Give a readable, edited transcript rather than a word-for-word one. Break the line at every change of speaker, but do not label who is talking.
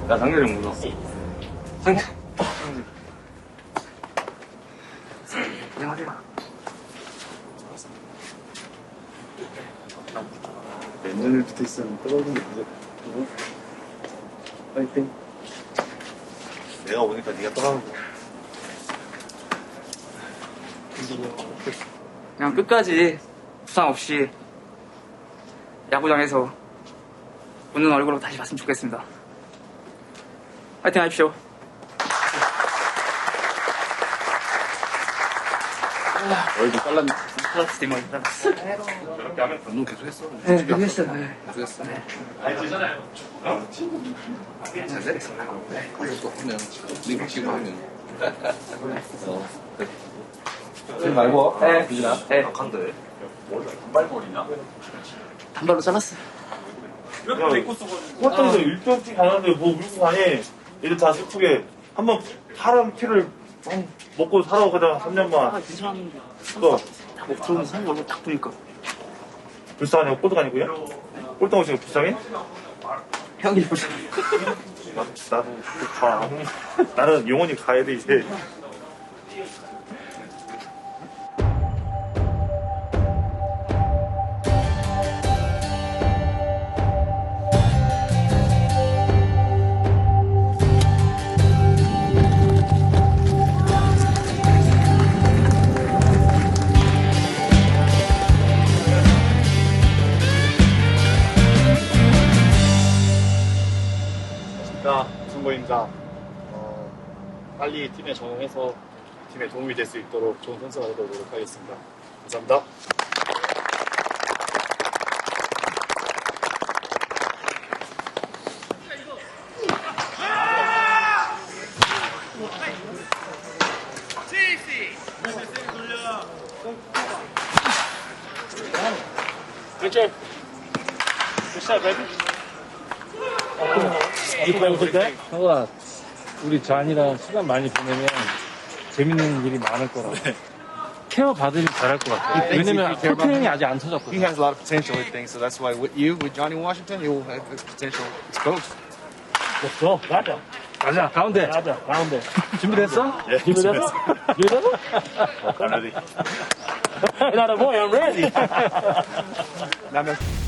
야, 상렬이 형 묻었어. 상렬. 안녕하세요.
맨날 붙어 있으면 떨어지는 게 문제. 파이팅.
내가 오니까 네가 떠나는
그냥 끝까지 부상 없이 야구장에서 웃는 얼굴로 다시 봤으면 좋겠습니다. 파이팅 하십시오.
얼굴 잘랐네.
잘랐어, 머리 잘랐어.
이렇게 하면 운동 계속 했어.
네, 계속 했어요. 네.
계속 했어.
알잖아요.
잘 됐어. 또 하면, 리그 치고 하면. 지금 말고.
네.
비진아.
네.
강한데. 단발머리냐?
단발로 잘랐어요.
이렇게 입고 쓰고 호텔에서 일병씩 가는데 뭐 울고 가니 얘들 다 슬프게 한번 사람 피를 먹고 살아고 그냥 3년만
괜찮은데.
또
목 들어오면 사는 얼굴 딱 보니까.
불쌍하냐고 꼴등아니고요? 꼴등 오시고 불쌍해?
형이 보자.
나도 가 나는 영원히 가야 돼 이제.
선보입니다. 빨리 팀에 적응해서 팀에 도움이 될 수 있도록 좋은 선수가 되도록 노력하겠습니다. 감사합니다.
그렇지. 굿샷 베이비.
형아, 우리 잔이랑 시간 많이 보내면 재밌는 일이 많을 거라고. 케어 받으면 잘할 것 같아. 왜냐면 포트닝이 아직 안
He
터졌거든.
has a lot of potential with things, so that's why with you, with Johnny Washington, you'll have the potential exposed.
없어.
맞아.
가자, 가운데.
맞아. 가운데.
준비됐어?
예,
준비됐어? 준비됐어?
I'm ready.
나는 뭐야, I'm ready.
Now,